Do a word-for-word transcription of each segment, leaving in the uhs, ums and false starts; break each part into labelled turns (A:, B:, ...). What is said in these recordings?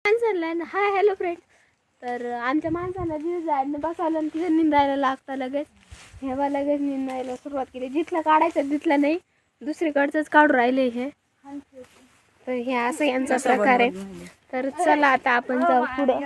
A: माणसाला ना hi hello friend. तर आमच्या माणसाला जिथं जायला बसावलं आणि तिथं निंदायला लागतं लगेच. हेवा लगेच निंदायला सुरुवात केली. जिथलं काढायचं तिथलं नाही, दुसरीकडचंच काढून राहिले हे. तर हे असं यांचा प्रकार आहे. तर चला आता आपण जाऊ पुढं.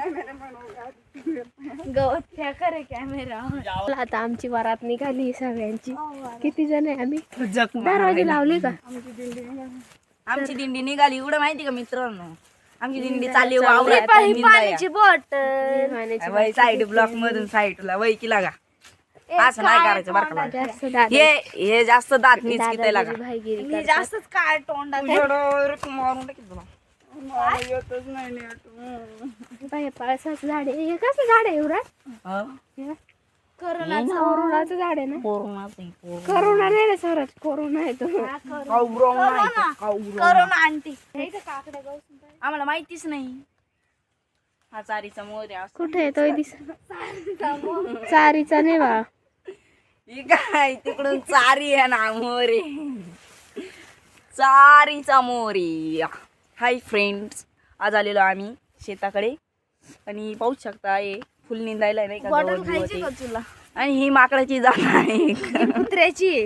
A: गवत त्या करे कॅमेरा. आता आमची वरात निघाली सगळ्यांची. किती जण आहे आम्ही? दरवाजे लावले का?
B: आमची दिंडी निघाली एवढं माहिती का मित्रांनो? आमची दिंडी चालली वावरात
A: पाण्याची बॉटल
B: साईड ब्लॉक मधून साईडला वैकीला का असं नाही करायचं बरं का.
A: जास्त दादा
B: हे हे जास्त दात मीच किती लागा
A: भाईगिरी
C: मी जास्तच काय तोंडात
B: मारून टाकीत तुला.
A: बाई पळसाचं झाड आहे. हे कसं झाड आहे एवढं?
B: हं?
A: कोरोनाचं झाड आहे ना?
B: कोरोनाचं आहे, कोरोना.
A: कोरोना नाही रे सर, कोरोना आहे तो.
B: कावुरव नाही तो, कावुरव.
C: करोना आंटी
B: आम्हाला माहितीच नाही. हा चारीचा मोर आहे असं.
A: कुठे आहे तो? दिस चारीचा नाही बा.
B: ही काय तिकडून चारी आहे ना मोरे. चारीचा मोरी. हाय फ्रेंड्स, आज आलेलो आम्ही शेताकडे आणि पाहू शकता हे फुल निंदायला नाही का
C: बॉटल
B: गवत
C: खायची
B: बिवत
C: का
B: आहे.
C: तुला?
B: आणि ही माकडाची जात आहे.
C: कुत्र्याची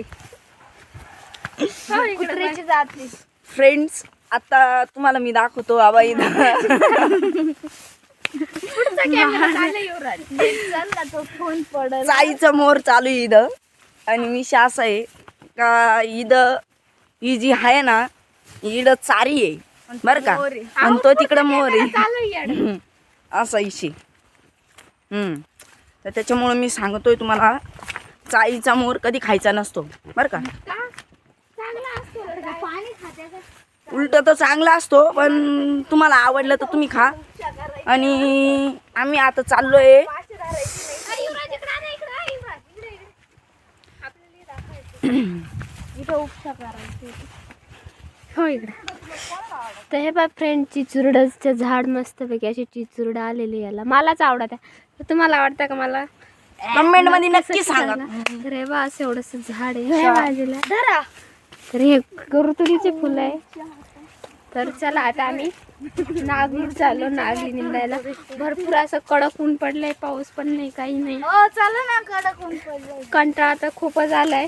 C: कुत्र्याची जाती.
B: फ्रेंड्स, आता तुम्हाला मी दाखवतो आबा इथं
C: चल ना तो फोन पडल.
B: चाईचा मोर चालू आहे इथं. आणि मी शास आहे का इथं ही जी आहे ना इथं चारी आहे बर का. आणि तो तिकडं मोर आहे असा इशी. हम्म तर त्याच्यामुळे मी सांगतोय तुम्हाला चाईचा मोर कधी खायचा नसतो बर का. उलट तो चांगला असतो पण तुम्हाला आवडलं तर तुम्ही खा. आणि आम्ही आता चाललोय
A: हो इकडे. तर हे बा फ्रेंड चिचुरडाचं झाड मस्तपैकी अशी चिचुरडं आलेली याला. मलाच आवडत आहे. तर तुम्हाला आवडतं का? मला
B: कमेंट मध्ये नक्की सांगा.
A: तर हे बा असं एवढंसं झाड आहे ह्या बाजूला. तर हे गरुतुरीचे फुलं आहे. तर चला आता आम्ही नागली चाललो. नागली निंदायला भरपूर असं कडक ऊन पडलंय. पाऊस पण नाही, काही नाही.
C: हो चला ना, कडक ऊन पडलंय.
A: कंटाळा तर खूपच आलाय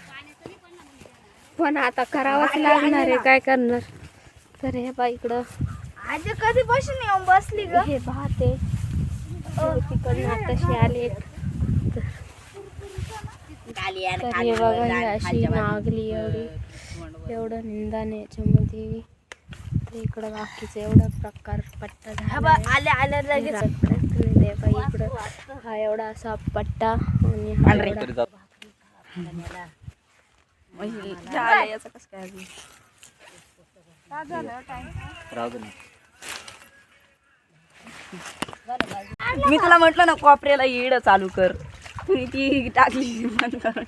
A: पण आता करावंच लागणार आहे. काय करणार. तर हे बा इकडं
C: आज कधी बसून येऊन बसली ग.
A: हे भात आहे. तिकडनं आताशी आले. तर हे बघा ही अशी नागली एवढी एवढं निंदाण याच्यामध्ये. तर इकडं बाकीचं एवढा प्रकार पट्टा झाला.
C: आल्या आल्या लगेच
A: इकडं हा एवढा असा पट्टा आणि हा एवढा
B: याचं कसं काय अजून? मी तुला म्हटलं ना कॉपऱ्याला येड चालू कर. तुम्ही ती टाकली बंद करून.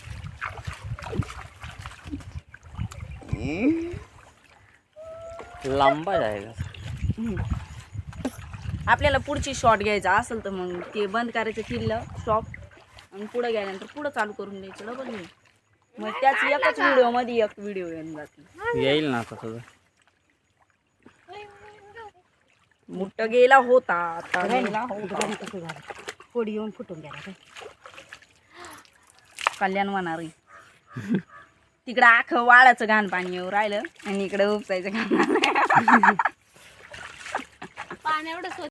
D: लांबा जायगा.
B: आपल्याला पुढची शॉट घ्यायचा असेल तर मग ते बंद करायचं किल्लं स्टॉप आणि पुढे गेल्यानंतर पुढं चालू करून द्यायचं डबल नाही. मग त्याच एकच व्हिडिओ मध्ये एक व्हिडिओ येऊन जाते.
D: येईल ना आता तुझं.
B: मोठं गेला होता आता गेला होता.
C: कोडी येऊन फुटून गेला.
B: कल्याण होणार आहे. तिकडं आखं वाळाचं घाण पाणी येऊ राहिलं आणि इकडं उपसायचं घाण.
A: पाणी एवढं